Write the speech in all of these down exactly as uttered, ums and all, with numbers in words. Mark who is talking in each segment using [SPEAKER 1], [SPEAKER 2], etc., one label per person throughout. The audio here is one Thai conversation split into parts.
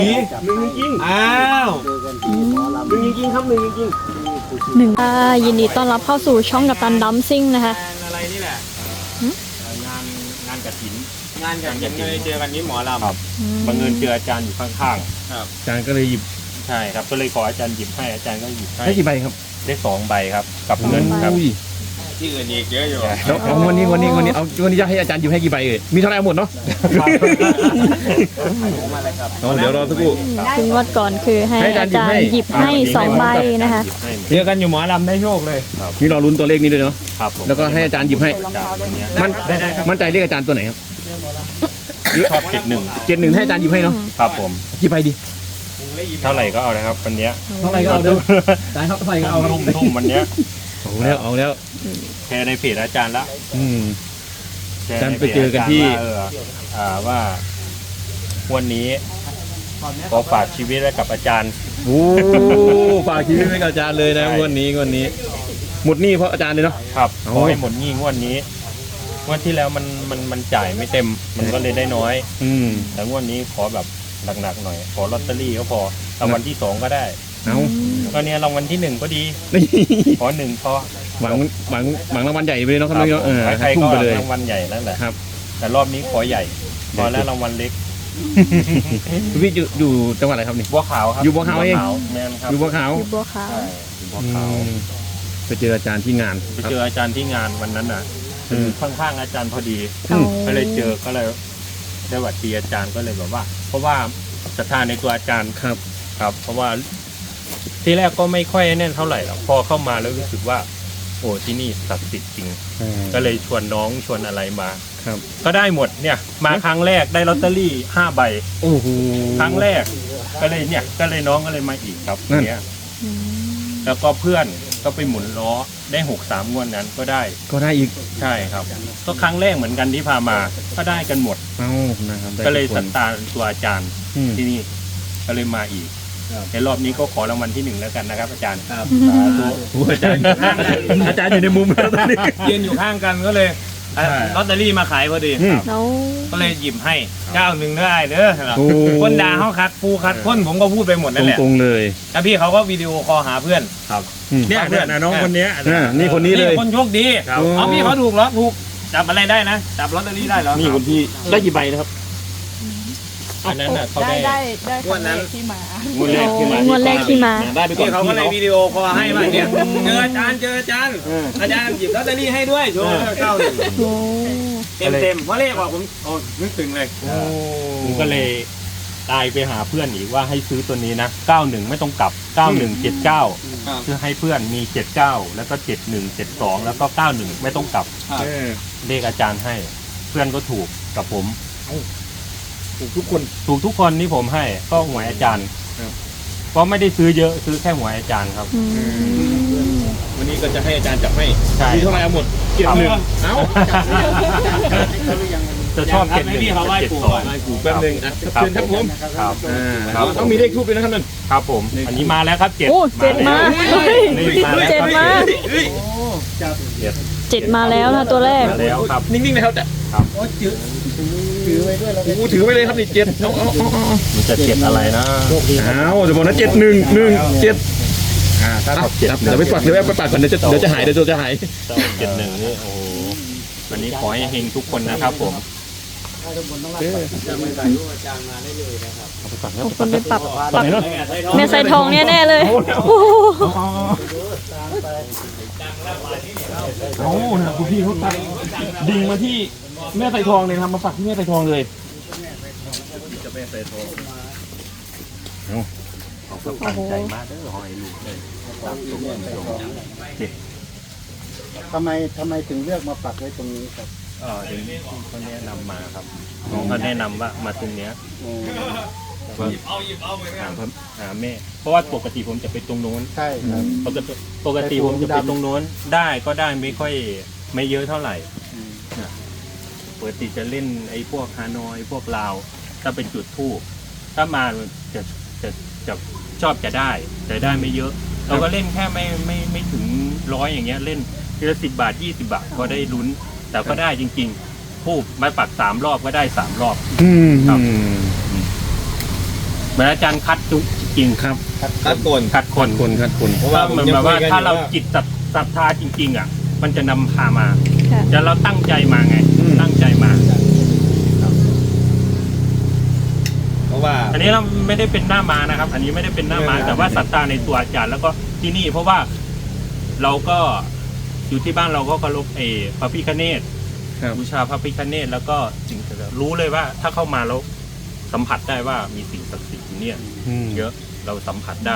[SPEAKER 1] หนึ่งจริงอ้าวหนึ่งจริงครับหนึ่งจริง
[SPEAKER 2] หนึ่งค่ะยินดีต้อนรับเข้าสู่ช่องกัปตันดัมซิ่งนะคะ
[SPEAKER 1] อะไรนี่แหละงานงานกฐินงานกฐินเลยเจอกันนี้หมอลำครับบังเอิญเจออาจารย์อยู่ข้างๆครับอาจารย์ก็เลยหยิบใช่ครับก็เลยขออาจารย์หยิบให้อาจารย์ก็หยิบให้ได้กี่ใบครับได้สองใบครับกับเงินครับที่อื่นอีกเยอะอยู่แล้ววันนี้วันนี้วันนี้เอาวันนี้จะให้อาจารย์หยิบให้กี่ใบเอ่ยมีเท่าไหร่หมดเนาะเดี๋ยวรอสักครู่
[SPEAKER 2] ถึงวัดก่อนคือให้อาจารย์หยิบให้สองใบนะคะ
[SPEAKER 1] เจอกันอยู่หมอลำได้โชคเลย
[SPEAKER 3] นี่รอลุ้นตัวเลขนี้ด้วยเนาะ
[SPEAKER 1] ครับ
[SPEAKER 3] แล้วก็ให้อาจารย์หยิบให้มันมั่นใจเลขอาจารย์ตัวไหนครับ
[SPEAKER 1] ชอบเจ็ดหนึ่ง
[SPEAKER 3] เจ็ดหนึ่งให้อาจารย์หยิบให้เนาะ
[SPEAKER 1] ครับผม
[SPEAKER 3] กี่ใบดี
[SPEAKER 1] เท่าไหร่ก็เอานะครับวันนี้
[SPEAKER 3] เท่าไหร่ก็เอาเด้ออาจารย์เท่าไหร่ก็เอา
[SPEAKER 1] ทุ่มทุ่มวันนี้
[SPEAKER 3] เอาแล้วเอาแล้ว
[SPEAKER 1] แชร์ในเพจอาจารย์ละ
[SPEAKER 3] อืมอาจารย์ไปเจอกันที่
[SPEAKER 1] อ่าว่าวันนี้ขอฝากชีวิตไว้กับอาจารย์
[SPEAKER 3] โอ้ฝากชีวิตไว้กับอาจารย์เลยนะวันนี้วันนี้หมดหนี้เพราะอาจารย์เลยเนาะ
[SPEAKER 1] ครับขอให้หมดหนี้งวดนี้งวดที่แล้วมันมันมันจ่ายไม่เต็มมันก็เลยได้น้อย
[SPEAKER 3] อืม
[SPEAKER 1] แต่งวดนี้ขอแบบหนักๆหน่อยขอลอตเตอรี่ก็พอรางวัลที่สองก็ได้
[SPEAKER 3] เอา
[SPEAKER 1] ก็เนี้ยรางวัลที่หนึ่งก็ดีขอหนึ่งพอ
[SPEAKER 3] หวังหวังหวังรางวัลใหญ่ไปเลยเนาะครับเนาะ
[SPEAKER 1] ใครๆก็รางวัลใหญ่แล้วแหละ
[SPEAKER 3] ครับ
[SPEAKER 1] แต่รอบนี้ขอใหญ่พอแล้วรางวัลเล็ก
[SPEAKER 3] พี่อยู่อยู่จังหวัดอะไรครับนี่
[SPEAKER 1] บัวขาวครับ
[SPEAKER 3] อยู่บัวขาวเอง
[SPEAKER 1] แมนครับ
[SPEAKER 3] อยู่บัวขาว
[SPEAKER 2] อยู่บัวขาว
[SPEAKER 1] บัวขาว
[SPEAKER 3] ไปเจออาจารย์ที่งาน
[SPEAKER 1] ไปเจออาจารย์ที่งานวันนั้นน่ะข้างๆอาจารย์พอดีก็เลยเจอก็เลยได้หวัดดีอาจารย์ก็เลยแบบว่า เพราะว่าศรัทธาในตัวอาจารย์
[SPEAKER 3] ครับ
[SPEAKER 1] ครับเพราะว่าที่แรกก็ไม่ค่อยแน่นเท่าไหร่หรอกพอเข้ามาแล้วรู้สึกว่าโอ้ที่นี่ศักดิ์สิทธิ์จริงก็เลยชวนน้องชวนอะไรมา
[SPEAKER 3] ครับ
[SPEAKER 1] ก็ได้หมดเนี่ยมาครั้งแรกได้ลอตเตอรี่ห้าใบ
[SPEAKER 3] โอ้โห
[SPEAKER 1] ครั้งแรกก็เลยเนี่ยก็เลยน้องก็เลยมาอีกครับเนี้ยแล้วก็เพื่อนก็ไปหมุนล้อได้หกสามงวดนั้นก็ได้
[SPEAKER 3] ก็ได้อีก
[SPEAKER 1] ใช่ครับก็ครั้งแรกเหมือนกันที่พามาก็ได้กันหมด
[SPEAKER 3] เอ้านะครับ
[SPEAKER 1] ก็เลยศรัทธาตัวอาจารย์ที่นี่ก็เลยมาอีกในรอบนี้ก็ขอรางวัลที่หนึ่งแล้วกันนะครับอาจารย์
[SPEAKER 3] ครับตัวอาจารย์อาจารย์อยู่ในมุมแล้วตอนนี้
[SPEAKER 1] ยืนอยู่ข้างกันก็เลยลอตเตอรี่มาขายพอดีก็เลยหยิบให้เก้าหนึ่งได้เด้อคนด่าเขาคัดปูคัดคนผมก็พูดไปหมดนั่นแหละ
[SPEAKER 3] ตรงๆเลย
[SPEAKER 1] แล้วพี่เขาก็วิดีโอคอลหาเพื่อน
[SPEAKER 3] ครับ
[SPEAKER 1] เนี่ยเพื่อนน้องคนนี้
[SPEAKER 3] นี่คนนี้เลย
[SPEAKER 1] คนโชคดีเอาพี่เขาถูกเหรอถูกจับอะไรได้นะจับลอตเตอรี่ได้เหรอ
[SPEAKER 3] นี่คนที่ได้กี่ใบนะครับ
[SPEAKER 1] อันนั้นน่ะเขาได้
[SPEAKER 4] ได้ได้คนแรกที่มาง
[SPEAKER 1] วดแรกที่มาง
[SPEAKER 2] วดแรกที่มา
[SPEAKER 3] ได้ไปก่อน
[SPEAKER 1] เขาก็เลยวิดีโอคอลให้มาเนี่ยเจออาจารย์เจออาจารย์อาจารย์หยิบลอตเตอรี่ให้ด้วยโชว์เก้าหนึ่งเต็มเต็มเพราะเลขออกผมโอ้นึกถึงเลยผมก็เลยตายไปหาเพื่อนอีกว่าให้ซื้อตัวนี้นะเก้าหนึ่งไม่ต้องกลับเก้าหนึ่งเจ็ดเก้าคือให้เพื่อนมีเจ็ดเก้าแล้วก็เจ็ดหนึ่งเจ็ดสองแล้วก็เก้าหนึ่งไม่ต้องกลับเลขอาจารย์ให้เพื่อนก็ถูกกับผมถูกทุกคนถูกทุกคนนี่ผมให้ก็หวยอาจารย์เพราะไม่ได้ซื้อเยอะซื้อแค่หวยอาจารย์ครับ
[SPEAKER 3] วันนี้ก็จะให้อาจารย์จับให้
[SPEAKER 1] ใช่
[SPEAKER 3] มีเท่าไหร่เอาหมดเจ็ดหนึ่งเอ้า
[SPEAKER 1] จะชอบเจ็ดหนึ่งเจ็ดสอง
[SPEAKER 3] แป๊บนึงนะเชิญครับผม
[SPEAKER 1] ครับ
[SPEAKER 3] ต้องมีเลขทูบด้วยนะครับนั่น
[SPEAKER 1] ครับผมอันนี้มาแล้วครับเจ็ด
[SPEAKER 2] โอ้เจ็ดมาเจ็ดมาเจ็ดมาแล้วนะตัวแรก
[SPEAKER 1] แล้วครับ
[SPEAKER 3] นิ่งๆนะครับแต่
[SPEAKER 1] ครับ
[SPEAKER 3] ถือไว้ด้วยโอ้ถือไว้เลยครับนี่เจ็ดเอาเอาเอา
[SPEAKER 1] มันจะเจ็ดอะไรนะ
[SPEAKER 3] อ้าวจะบอกนะเจ็ดหนึ่งหนึ่งเจ็ดอ่าถ้าเจ็ดเดี๋ยวไปปัดเดี๋ยวไปปัดก่อนเดี๋ยวจะเดี๋ยวจะหายเดี๋ยวจะหาย
[SPEAKER 1] เจ็ดหนึ่งนี่โอ้วันนี้ขอให้เฮงทุกคนนะครับผม
[SPEAKER 2] จะไม่ใส่รูปอาจารย์มาได้เลยนะครับคนไปปรับปรับแม่ใส่ทองแน่ๆเลย
[SPEAKER 3] โอ้โหคุณพี่เขาตัดดิ่งมาที่แม่ใส่ทองเลยครับมาปักที่แม่ใส่ทองเลย
[SPEAKER 1] จะแม่ใส่ทองเขาก็ตั้งใจมากเด้อหอยลูกเลย
[SPEAKER 4] ทำไมทำไมถึงเลือกมาปักไว้ตรงนี้ครับ
[SPEAKER 1] เออถึงเขาแนะนำมาครับน้องเขาแนะนำว่ามาตรงเนี้ยหยิบเอาหยิบเอาเหมือนกันหาแม่เพราะว่าปกติผมจะไปตรงโน้น
[SPEAKER 4] ใช่ครับ
[SPEAKER 1] ปกติปกติผมจะไปตรงโน้นได้ก็ได้ไม่ค่อยไม่เยอะเท่าไหร่ปกติจะเล่นไอ้พวกฮานอยพวกลาวถ้าเป็นจุดทูบถ้ามาจะจะจะชอบจะได้แต่ได้ไม่เยอะเราก็เล่นแค่ไม่ไม่ไม่ถึงร้อยอย่างเงี้ยเล่นทีละสิบบาทยี่สิบบาทก็ได้ลุ้นแต่ก็ได้จริงๆทูบมาปักสามรอบก็ได้สามรอบครับ
[SPEAKER 5] เหมือนอาจารย์คัดทุกจริงครับ
[SPEAKER 1] คัดโกน
[SPEAKER 5] คัดคน
[SPEAKER 3] คนครับคน
[SPEAKER 1] เพราะ
[SPEAKER 5] ว่า
[SPEAKER 1] ว่า
[SPEAKER 5] เหมือนแบบว่าถ้าเราจิตศรัทธาจริง ๆ อ่ะ มันจะนำพามา
[SPEAKER 2] ค่ะ
[SPEAKER 5] แต่เราตั้งใจมาไง ตั้งใจมา
[SPEAKER 1] เพราะว่า
[SPEAKER 5] อันนี้เราไม่ได้เป็นหน้ามานะครับ อันนี้ไม่ได้เป็นหน้ามา
[SPEAKER 1] ไม่เป็น
[SPEAKER 5] แต่ว่าศรัทธาในตัวอาจารย์แล้วก็ที่นี่ เพราะว่าเราก็อยู่ที่บ้านเราก็เคารพเอพระพิฆเนศ
[SPEAKER 3] ครับ
[SPEAKER 5] บูชาพระพิฆเนศแล้วก็สิ่งศักดิ์สิทธิ์รู้เลยว่า ถ้าเข้ามาแล้วสัมผัสได้ว่ามีสิ่งศักดิ์สิทธิ์อยู่เนี่ย
[SPEAKER 3] อืม
[SPEAKER 5] เยอะเราสัมผัสได้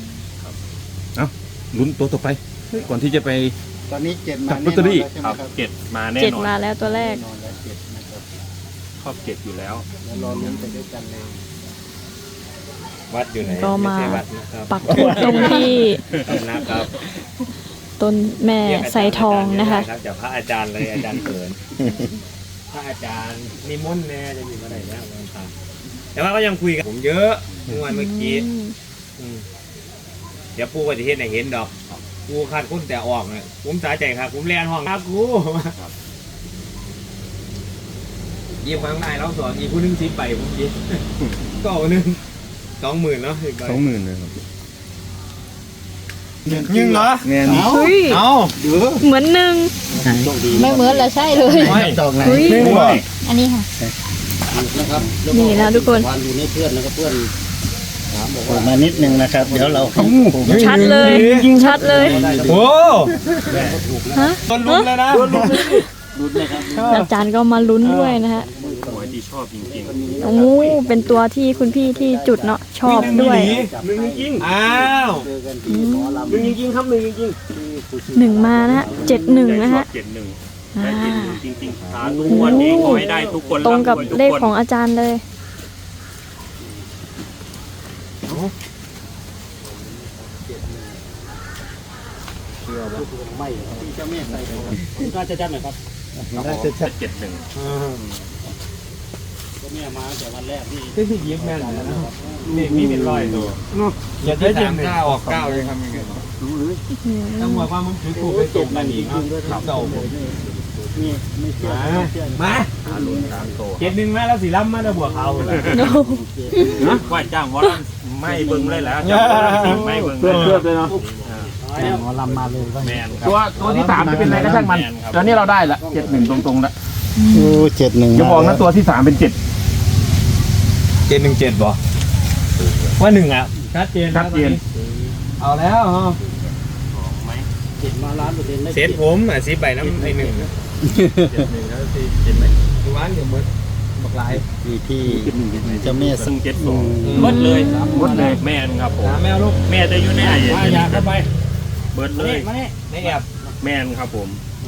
[SPEAKER 3] ลุ้นตัวต่อไปเฮ้ยก่อนที่จะไป
[SPEAKER 4] ตอนนี้เจ็ดมา
[SPEAKER 3] จับล
[SPEAKER 4] แน่
[SPEAKER 3] อน ตเตอรี่
[SPEAKER 4] อนแล้วใช่ไห
[SPEAKER 5] ค
[SPEAKER 4] ม
[SPEAKER 5] รับ
[SPEAKER 4] ครับ
[SPEAKER 5] เจ็ดมาแน่
[SPEAKER 2] เจ็ด
[SPEAKER 5] นอน
[SPEAKER 2] มาแล้วตัวแรก
[SPEAKER 4] แน่นอนแล้วเจ็ดนะครับ
[SPEAKER 5] ครอบเจ็ดอยู่แล้ว
[SPEAKER 4] แล้วรอลุ้นไปด้วยกันเลย
[SPEAKER 1] วัดอยู่ไหน
[SPEAKER 2] ก็มา
[SPEAKER 1] ไใช่วัดนะครับ
[SPEAKER 2] ปักธงตรงที่
[SPEAKER 1] นะครับ
[SPEAKER 2] ต้นแม่ไซทองนะคะ
[SPEAKER 1] รับจากพระอาจารย์เลยอาจารย์เขินพระอาจารย์นิมนต์แน่จะมีอะไรนะวันพระแต่ว่าก็ยังคุยกับผมเยอะเมื่อวันเมื่อกี้อืมเดี๋ยวปูปฏิเทศไหนเห็นดอกกูขาดคุ้นแต่ออกเนี่ยผมสาใจครับผมแลนห้องครับกูยิ้มข้างในแล้วสอนอีกผู้หนึงสิบใบผมยิ้มก็เอาหนึ่งสองหมื่นเนาะ
[SPEAKER 3] สองหมื่นนะครับ
[SPEAKER 1] ยิงเหรอ
[SPEAKER 3] แน่น
[SPEAKER 2] เฮ้ย
[SPEAKER 1] เอา
[SPEAKER 2] เหมือนหนึ่ง
[SPEAKER 6] ไม่เหมือนแล้วใช่เลย
[SPEAKER 4] ดอกไหน
[SPEAKER 2] เฮ้ย
[SPEAKER 6] อันนี้ค่ะ
[SPEAKER 4] นะครับ
[SPEAKER 2] นี่นะทุกคน
[SPEAKER 4] วันอยู่ในเพื่อนนะครับเพื่อนถามบอกว่ามานิดนึงนะครับ เดี๋ยวเรา
[SPEAKER 2] ชัดเลย ชัดเลย
[SPEAKER 1] โอ้
[SPEAKER 2] ฮะ
[SPEAKER 1] ต้นลุ้นเลยนะ
[SPEAKER 4] ลุ้นนะครับ
[SPEAKER 2] อาจารย์ก็มาลุ้นด้วยนะฮะ
[SPEAKER 5] หวยที่ชอบจริง
[SPEAKER 2] โอ้เป็นตัวที่คุณพี่ที่จุดเนาะชอบด้วย
[SPEAKER 1] หนึ่งจริงอ้าว
[SPEAKER 4] เจอกันที่หมอลำ
[SPEAKER 1] หนึ่งจริงครับหนึ่งจริง
[SPEAKER 2] หนึ่งมานะฮะเจ็ดหนึ่งนะฮะ
[SPEAKER 5] เจ็ดหนึ่ง
[SPEAKER 2] อ่า
[SPEAKER 5] ได้เจ็ดหนึ่งจริงๆสาธุวันนี้ขอให้ได้ทุกคน
[SPEAKER 2] ตรงกับ
[SPEAKER 5] ำวยทุ
[SPEAKER 2] เลข
[SPEAKER 5] คน
[SPEAKER 2] ของอาจารย์เลย
[SPEAKER 4] ไม่ที่เจ้าแม่ใส่ของ
[SPEAKER 1] น่าจะจัดหน่อยครับ
[SPEAKER 4] น่าจะชัด
[SPEAKER 5] เจ็ดหนึ่ง
[SPEAKER 4] เจ้าแม่มาแต่วันแรกที่
[SPEAKER 1] ก็คือยิ้มแม่นเลยนะนี่มีเป็นร้อยตัวอย่าได้ยินเก้าออกเก้าเลยครับยังไงต้องบอกว่ามึงถือกูไปตกกันอีกครับเก่า
[SPEAKER 4] นี่ไม่เชื่อ
[SPEAKER 1] มา
[SPEAKER 4] ไม่เชื่อ
[SPEAKER 1] มา
[SPEAKER 5] อารุณสามโต
[SPEAKER 1] เจ็ดหนึ่งมาแล้วสีล้ำมาแล้วบวกเขาเลย
[SPEAKER 2] โน้
[SPEAKER 5] นะว่าจ้างวอลันไม่เบิ่งเลยแล้วจ้างวอลันสิไม่เบิ่งเลย
[SPEAKER 1] เลยเนาะ
[SPEAKER 4] หมอลำมาเลยว่า
[SPEAKER 5] แมนครับ
[SPEAKER 3] ตัวตัวที่สามจะเป็นอะไรก็ช่างมัน
[SPEAKER 5] แมนครับ
[SPEAKER 3] ตอนนี้เราได้ละเจ็ดหนึ่งตรงๆแล้ว
[SPEAKER 4] โอ้เจ็ดหนึ่ง
[SPEAKER 3] อย่าบอกนะตัวที่สามเป็นเจ็ด
[SPEAKER 1] เจ็ดหนึ่งเจ็ดบ่ว่าหนึ่งอ่ะชัดเจน
[SPEAKER 3] ชัดเจน
[SPEAKER 1] เอาแล้วฮะ
[SPEAKER 4] เจ็ดมาล้านเปอร์เซ็นต์ได้
[SPEAKER 1] เซตผมอ่ะสิบใบน้ำไอหนึ่ง
[SPEAKER 5] เจ็ดหนึ่งแล้วสิเจ็ดไหม
[SPEAKER 1] ดูร้านเดี๋ยวมืดบักลาย
[SPEAKER 4] ที่ที่เจ้าแม่
[SPEAKER 5] ซึ่งเจ็ดสองหมดเลยหมดเลยแมนครับผม
[SPEAKER 1] หาแมวลูก
[SPEAKER 5] แม่จะอยู่ในไอ้
[SPEAKER 1] มาอยากเข้าไป
[SPEAKER 5] เบิร์ดเลย
[SPEAKER 1] มาเนี่ยในแอบ
[SPEAKER 5] แมนครับผม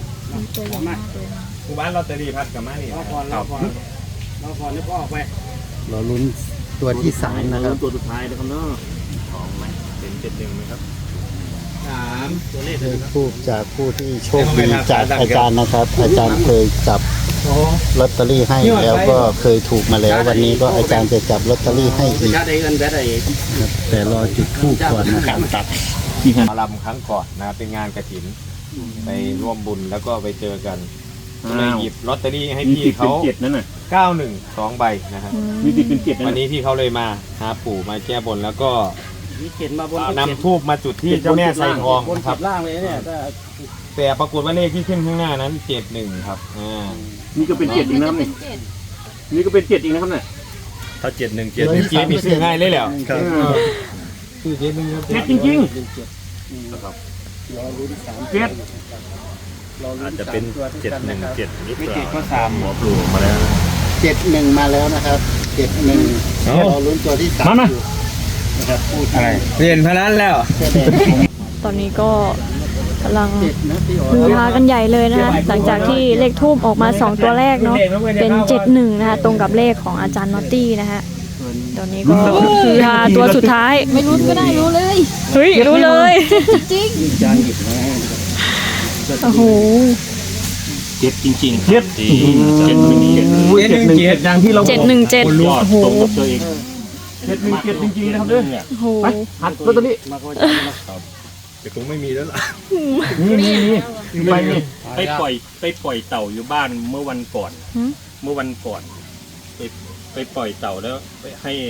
[SPEAKER 1] กูบ้านลอตเตอรี่พัดกับมานี่
[SPEAKER 5] ครับ
[SPEAKER 1] เราพอนี่ก็ออกไป
[SPEAKER 4] เราลุ้นตัวที่สามนะครับ
[SPEAKER 5] ตัวสุดท้ายนะครับเนาะสองไหมเป็นเจ็ดหนึ่งไหมครับ
[SPEAKER 1] สามตัวเลข
[SPEAKER 4] เลขทูบจากผู้ที่โชคดีจากอาจารย์นะครับ อาจารย์เคยจับ
[SPEAKER 1] โอ้
[SPEAKER 4] ลอตเตอรี่ให้แล้วก็เคยถูกมาแล้ว วันนี้ก็อาจารย์จะจับลอตเตอรี่ให้อีก
[SPEAKER 1] ชาติเงินแบดอะไร
[SPEAKER 4] นะครับแต่รอจุดทูบก่อนนะครับตัด
[SPEAKER 1] มาลำครั้งก่อนนะเป็นงานกระถินไปร่วมบุญแล้วก็ไปเจอกันก็เลยหยิบลอตเตอรี่ให้
[SPEAKER 3] มี
[SPEAKER 1] พี่
[SPEAKER 3] สิทธิ์เป็น
[SPEAKER 1] เขา
[SPEAKER 3] เจ็ดนั่นน่ะ
[SPEAKER 1] เก้าหนึ่งสองใบนะครับ
[SPEAKER 3] มีสิทธิ์เป็นเจ็ดนั่น
[SPEAKER 1] วัน
[SPEAKER 3] น่ะ
[SPEAKER 1] นี้พี่เขาเลยมาหาปู่มาแก้บนแล้วก็
[SPEAKER 4] มีเขียนมาบน
[SPEAKER 1] นำทูบมาจุดที่เจ้าแม่ไซทอง
[SPEAKER 4] บน
[SPEAKER 1] นะค
[SPEAKER 4] ขั
[SPEAKER 1] รั
[SPEAKER 4] บบ ล่างเลยเนี่ยถ้า
[SPEAKER 1] แต่ปรากฏว่าเลขที่ขึ้นข้างหน้านั้นเจ็ดหนึ่งครับอ่า
[SPEAKER 3] นี่ก็เป็นเจ็ดอีกนะครับนี่นี่ก็เป็นเจ็ดอีกนะครับเนี่ย
[SPEAKER 5] ถ้าเจ็ดหนึ่ง
[SPEAKER 1] เจ็ดหนึ่งเจ็ดนี่ซื้อง่ายเลยแหละซื้อเจ็ดหนึ่งครับ
[SPEAKER 3] เจ็ดจริง
[SPEAKER 4] รอลุ้นสาม
[SPEAKER 3] ๆเจ็ด
[SPEAKER 5] อาจจะเป็นเจ็ดหนึ่งเจ็ดหรือเป
[SPEAKER 1] ไม่
[SPEAKER 5] ล่า
[SPEAKER 1] เจ็ดก็สาม
[SPEAKER 5] หมอปลูกมาแล้ว
[SPEAKER 4] เจ็ดหนึ่งมาแล้วนะครับเจ็ดหนึ่งรอลุ้นตัวที่สามอยู่นะครับผู้ที่
[SPEAKER 1] เรียนพนันแล้ว
[SPEAKER 4] แสดง
[SPEAKER 2] ตอนนี้ก็กำลัง
[SPEAKER 4] เจ็ดนะพี่อ๋อ
[SPEAKER 2] ฮือฮากันใหญ่เลยนะคะหลังจากที่เลขทูบออกมาสองตัวแรกเนาะเป็นเจ็ดหนึ่งนะคะตรงกับเลขของอาจารย์นอตตี้นะคะตอนนี้ก็ฮือฮาตัวสุดท้าย
[SPEAKER 6] ไม่รู้ก็ได้รู้เลย
[SPEAKER 2] เฮ้ยรู้เลย
[SPEAKER 6] จริง
[SPEAKER 4] จานหยิบมาให้
[SPEAKER 2] โอ้โห
[SPEAKER 5] เจ็ดจริงๆ
[SPEAKER 3] เจ็ด
[SPEAKER 5] จริงเจ็ดหนึ่งเจ็ด
[SPEAKER 3] เจ็ดหนึ่งเจ็ดอย่างที่เรา
[SPEAKER 2] เจ็ดหนึ่งเจ็ด
[SPEAKER 5] ยอด
[SPEAKER 2] โอ้โห
[SPEAKER 5] ตรงกับตัวเอง
[SPEAKER 3] เจ็ดหนึ่งเจ็ดจริงๆนะครับเด้อ
[SPEAKER 2] โอ้โห
[SPEAKER 3] ไปหัดลอตเตอรี่
[SPEAKER 4] มาก็จะมา
[SPEAKER 1] แต่คงไม่มีแล้วล่ะ
[SPEAKER 3] นี่นี่นี่ไปนี่
[SPEAKER 5] ไปปล่อยไปปล่อยเต่าอยู่บ้านเมื่อวันก่อน
[SPEAKER 2] หืม
[SPEAKER 5] เมื่อวันก่อน ไปไปปล่อยเต่าแล้วไปให้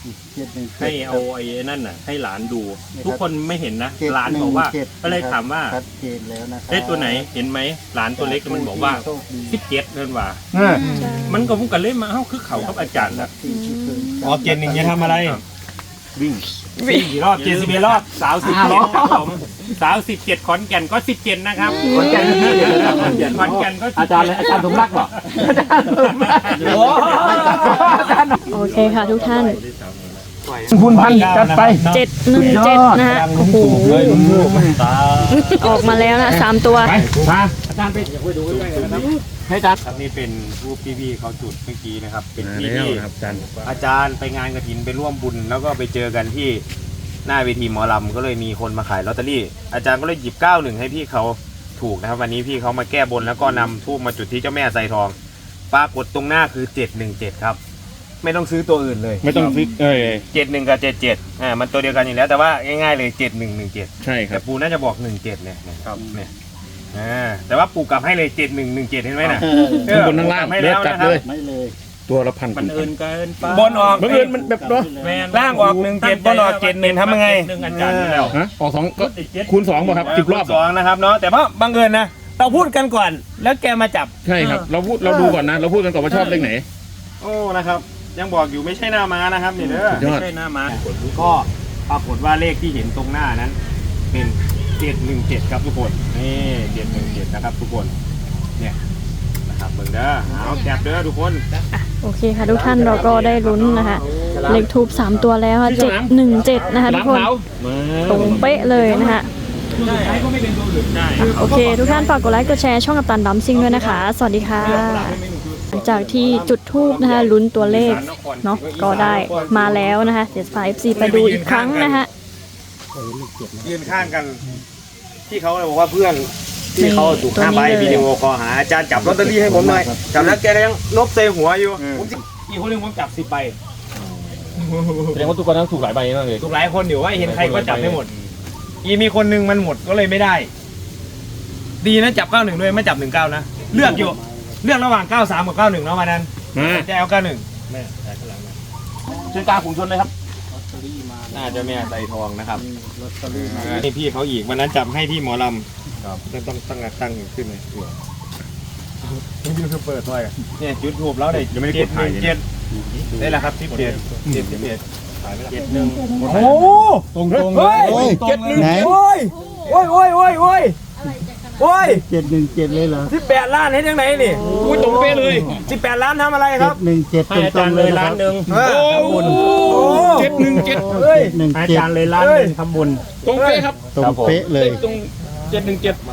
[SPEAKER 4] เจ็ดหนึ่ง
[SPEAKER 5] ให้เอาไอ้นั่นน่ะ ให้หลานดู
[SPEAKER 4] นี่ครับ
[SPEAKER 5] ทุกคนไม่เห็นนะ
[SPEAKER 4] เจ็ด
[SPEAKER 5] หลานบอกว่า
[SPEAKER 4] หนึ่งเจ็ด
[SPEAKER 5] ก็เลยถามว่า
[SPEAKER 4] ชัดเจนแล้วนะครับ
[SPEAKER 5] ได้ตัวไหนเห็นไหมหลานตัวเล็กมันบอกว่า
[SPEAKER 4] โชคดี
[SPEAKER 5] สิบเจ็ดนั่นว่า
[SPEAKER 2] ใช่
[SPEAKER 5] มันก็พุ่งกันเล่นมาเอ้าคือเขากับอาจารย์นะ
[SPEAKER 4] ที่ที่เคย
[SPEAKER 1] อ๋อเกณฑ์หนึ่งจะทำอะไร
[SPEAKER 5] วิ่ง
[SPEAKER 1] วิ่งกี่รอบเจ็ดสิบเอ็ดรอบ
[SPEAKER 5] สาวสิบเจ็ดครับผมสาวสิบเจ็ดขอนแก่นก็สิบเจ็ดนะครับขอนแก่นขอนแก่นขอนแก่นก็อาจารย์เลยอาจารย์สมรักเหรอ
[SPEAKER 1] โอ้
[SPEAKER 2] โอเคค่ะทุกท่าน
[SPEAKER 3] คุณพันจัดไป
[SPEAKER 2] เจ็ดหนึ่งเจ็ดนะฮะโอ้โหออกมาแล้วนะสามตัว
[SPEAKER 3] มา
[SPEAKER 1] อาจารย์ไปอย่าไปดูใกล้ๆนะครับให้อาจารย์ครับนี่เป็นรูปพี่ๆเขาจุดเมื่อกี้นะครับ เป็นที่ที่
[SPEAKER 3] ครับอาจารย์
[SPEAKER 1] อาจารย์ไปงานกฐินไปร่วมบุญ แล้วก็ไปเจอกันที่หน้าเวทีหมอลำก็เลยมีคนมาขายลอตเตอรี่ อาจารย์ก็เลยหยิบเก้าหนึ่งให้พี่เขาถูกนะครับวันนี้พี่เขามาแก้บนแล้วก็นำทูบมาจุดที่เจ้าแม่ไซทองปรากฏตรงหน้าคือเจ็ดหนึ่งเจ็ดครับไม่ต้องซื้อตัวอื่นเลย
[SPEAKER 3] ไม่ต้องฟิกเอ้ย
[SPEAKER 1] เจ็ดหนึ่งกับเจ็ดเจ็ดอ่ามันตัวเดียวกันอยู่แล้วแต่ว่าง่ายๆเลยเจ็ดหนึ่งหนึ่งเจ็ด
[SPEAKER 3] ใช่ครั
[SPEAKER 1] แต่
[SPEAKER 3] บ
[SPEAKER 1] ปูน่าจะบอกหนึ่งเจ็ดเนี่ยนะครับเนี่ยอ่าแต่ว่าปูกลับให้เลยเจ็ดหนึ่งหนึ่งเจ็ดเห็นไหมน่ะ
[SPEAKER 3] ข้างบนข้างล่าง
[SPEAKER 1] ให้
[SPEAKER 3] เล็
[SPEAKER 1] แล้
[SPEAKER 3] ก
[SPEAKER 1] ว
[SPEAKER 3] จัด
[SPEAKER 1] นะครับ
[SPEAKER 3] เลย
[SPEAKER 4] ไม่เลย
[SPEAKER 3] ตัวละพัน
[SPEAKER 5] มันเอินเกินไป
[SPEAKER 1] บนออก
[SPEAKER 3] บังเอิญมันแบบเนาะ
[SPEAKER 5] แม่น
[SPEAKER 1] ล่างออกหนึ่งเจ็ดบนออกเจ็ดหนึ่งทำยังไง
[SPEAKER 5] หนึ่งอาจารย์อยู่แล้ว
[SPEAKER 3] ฮะออกสองก็คูณสองป่ะครับสิบรอบ
[SPEAKER 1] สองนะครับเนาะแต่เพราะบังเอิญนะเราพูดกันก่อน แล้วแกมาจับ
[SPEAKER 3] ใช่ครับ เราพูดเราดูก่อนนะ เราพูดกันก่อนว่าชอบเลขไหน
[SPEAKER 1] โอ้นะครับ ยังบอกอยู่ไม่ใช่หน้าม้านะครับนี่เด้อ
[SPEAKER 3] สุดยอด
[SPEAKER 5] ไม่ใช่หน้าม้า
[SPEAKER 1] ก็ปรากฏว่าเลขที่เห็นตรงหน้านั้น เป็นเจ็ดหนึ่งเจ็ดครับทุกคนนี่เจ็ดหนึ่งเจ็ดนะครับทุกคนเนี่ยนะครับเบิ่งเด้อเอาแคปเด้อทุกคน
[SPEAKER 2] โอเคค่ะทุกท่านเราก็ได้ลุ้นนะคะเลขทูบสามตัวแล้วค่ะเจ็ดหนึ่งเจ็ดนะคะทุกคนตรงเป๊ะเลยนะคะ
[SPEAKER 1] ใช้ก็ไม่เป็นตัวอื่นได้
[SPEAKER 2] โอเค ทุกท่านฝากกดไลค์กดแชร์ช่องกัปตันดัมซิงด้วยนะคะ สวัสดีค่ะหลังจากที่จุดทูบนะคะลุ้นตัวเลขเนาะก็ได้มาแล้วนะคะเดี๋ยวพา เอฟ ซี ไปดูอีกครั้งนะคะ
[SPEAKER 1] ยืนข้างกัน ที่เขาบอกว่าเพื่อนที่เขาถูกห้าใบวิดีโอคอลหาอาจารย์จับลอตเตอรี่ให้ผมหน่อยจับแล้วแกยังนบเซหัวอยู่ผมสิอีกคนหนึงผมจับสิบใบ
[SPEAKER 3] แสดงว่าทุกคนต้องถูกหลายใบมากเลย
[SPEAKER 1] ถูกหลายคนอยู่ว่าเห็นใครก็จับไม่หมด อีมีคนหนึงมันหมดก็เลยไม่ได้ ดีนะจับเก้าหนึ่งด้วยไม่จับหนึ่งเก้านะเลือกอยู่เลือกระหว่างเก้าสามกับเก้าหนึ่งแล้ววันนั้น
[SPEAKER 3] มา
[SPEAKER 1] จะเอาเก้าหนึ่ง
[SPEAKER 3] ช่วยกลางขุนชนเลยครับ
[SPEAKER 1] น่าจะแม่ใส่ทองนะครับนี่พี่เขาอีกวันนั้นจับให้ที่หมอลำต้องต้องตั้งตั้งขึ้นเลยมันยูทูบเปิดด้วยเนี่ยจุดทูบแล้วได้
[SPEAKER 3] ยังไม่ได้กดถ่ายเลยนะ
[SPEAKER 1] เจ็ดได้แล้วครับสิบเจ็ดเจ็ดสิบเอ็ดเจ็ดหนึ่ง
[SPEAKER 3] โอ้ตรงตรง
[SPEAKER 1] เฮ้ย
[SPEAKER 4] โอ้ย
[SPEAKER 1] เจ็ดหนึ่ง
[SPEAKER 4] ไหน
[SPEAKER 1] โอ้ยโอ้ยโอ้ยโอ้ยโอ้ยโอ้ย
[SPEAKER 4] เจ็ดหนึ่งเจ็ดเลยเหรอ
[SPEAKER 1] สิบแปดล้านเห็นยังไงนี่
[SPEAKER 3] อุ้ยตรงเป๊ะเลย
[SPEAKER 1] สิบแปดล้านทำอะไรค
[SPEAKER 4] เจ็
[SPEAKER 1] รับ
[SPEAKER 4] ดหนึ่งเจ็ด
[SPEAKER 5] ให้อา
[SPEAKER 4] ตร
[SPEAKER 5] จารง ย์
[SPEAKER 4] ๆ
[SPEAKER 5] เล
[SPEAKER 4] เลย ยนะ
[SPEAKER 5] ล้า
[SPEAKER 4] คน รับ
[SPEAKER 5] หนึ่ง
[SPEAKER 1] เออ
[SPEAKER 5] ทำบุญ
[SPEAKER 1] โอ้
[SPEAKER 3] เจ็ดหนึ่งเจ็ด
[SPEAKER 1] เฮ้ย
[SPEAKER 4] หนึ่ง
[SPEAKER 5] ให้อา
[SPEAKER 4] เจ็ด
[SPEAKER 5] จารย์เลยล้านหนึ่งทำบุญ
[SPEAKER 3] ตรงเป๊ะครับ
[SPEAKER 4] ตรงเป๊ะเลย
[SPEAKER 3] ตรงเจ็ดหนึ่งเจ็ด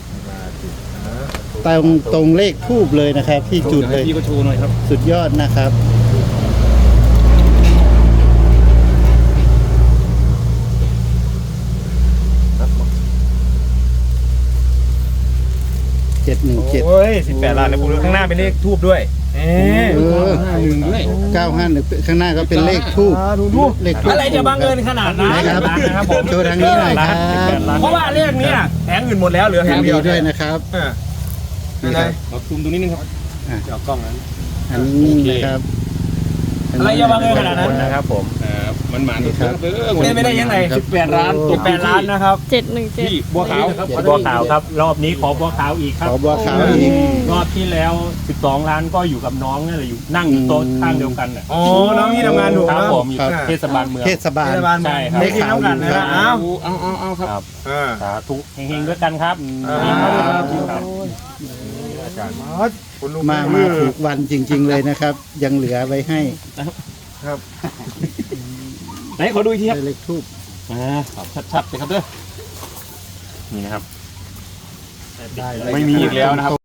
[SPEAKER 4] ตรงตรงเลขทูบเลยนะครับ ที่จุดเลย
[SPEAKER 3] พี่ก็ชูหน่อยครับ
[SPEAKER 4] สุดยอดนะครับเจ็ดหนึ่งเจ็ด
[SPEAKER 1] โอ้ยสิบแปดล้านเลยผมดูข้างหน้าเป็นเลขทูบด้วยเอ๊ะ
[SPEAKER 4] เออ
[SPEAKER 3] หนึ่งด้วย
[SPEAKER 4] เก้าห้าหนึ่งข้างหน้าก็เป็นเลขทูบเลขทูบ
[SPEAKER 1] อะไรจะบังเอิญขนาดนั้น
[SPEAKER 4] ไหนครับ
[SPEAKER 1] นะครับผม
[SPEAKER 4] โชว์ทางนี้หน่อยครับ
[SPEAKER 1] เพราะว่าเลขเนี้ยแผงอื่นหมดแล้วเหลือแผ
[SPEAKER 4] ทาง ง
[SPEAKER 1] เดี
[SPEAKER 4] นี้
[SPEAKER 1] ยว
[SPEAKER 4] ด้วยนะครับ
[SPEAKER 1] เออ
[SPEAKER 4] นี่ครับ
[SPEAKER 3] เราซูมตรงนี้นึงครับ
[SPEAKER 1] เดี๋ยวกล้องนั้น
[SPEAKER 4] อันนี้นิ่งนะครับ
[SPEAKER 1] อะไรจะบังเอิญขนาดนั้นนะครับผม
[SPEAKER 3] อ่ามันหมานครับ
[SPEAKER 1] เล่นไม่ได้ยังไง
[SPEAKER 3] สิบแปดล้าน
[SPEAKER 1] สิบแปดล้านนะครับ
[SPEAKER 2] เจ็ดหนึ่งเจ็ด
[SPEAKER 3] พี่บัวขาว
[SPEAKER 5] บัวขาวครับ รอบนี้ขอบัวขาวอีกครั
[SPEAKER 4] ข
[SPEAKER 5] บ
[SPEAKER 4] อบัวขาวอีก
[SPEAKER 5] รอบที่แล้วสิบสองล้านก็อยู่กับน้องนี่แหละอยู่นั่งอยู่โต๊ะข้างเดียวกันน่ะ
[SPEAKER 1] อ๋อน้องนี่ทำงานถูก
[SPEAKER 5] ครับ
[SPEAKER 1] นะ
[SPEAKER 5] ผมอยู่เทศบาลเมือง
[SPEAKER 4] เทศบาล
[SPEAKER 1] เทศบาล
[SPEAKER 5] ใช่ครับ
[SPEAKER 1] ไม่คิดน้ำกันนะอ้าว
[SPEAKER 3] เอาเอาเอาครับ
[SPEAKER 5] ครับ
[SPEAKER 1] เออ
[SPEAKER 5] สาธุเฮงๆด้วยกันครับ
[SPEAKER 1] อ่า
[SPEAKER 5] นี่ครับครับ
[SPEAKER 4] มามาถูกวันจริง ๆ เลยนะครับ ยังเหลือไว้ให้
[SPEAKER 3] ไหนขอดูอีกทีครับ
[SPEAKER 4] เลขทูบ
[SPEAKER 3] อ่าชัดๆเลยครับเด้อนี่นะครับ
[SPEAKER 4] ได้
[SPEAKER 3] ไม่มีอีกแล้วนะครับ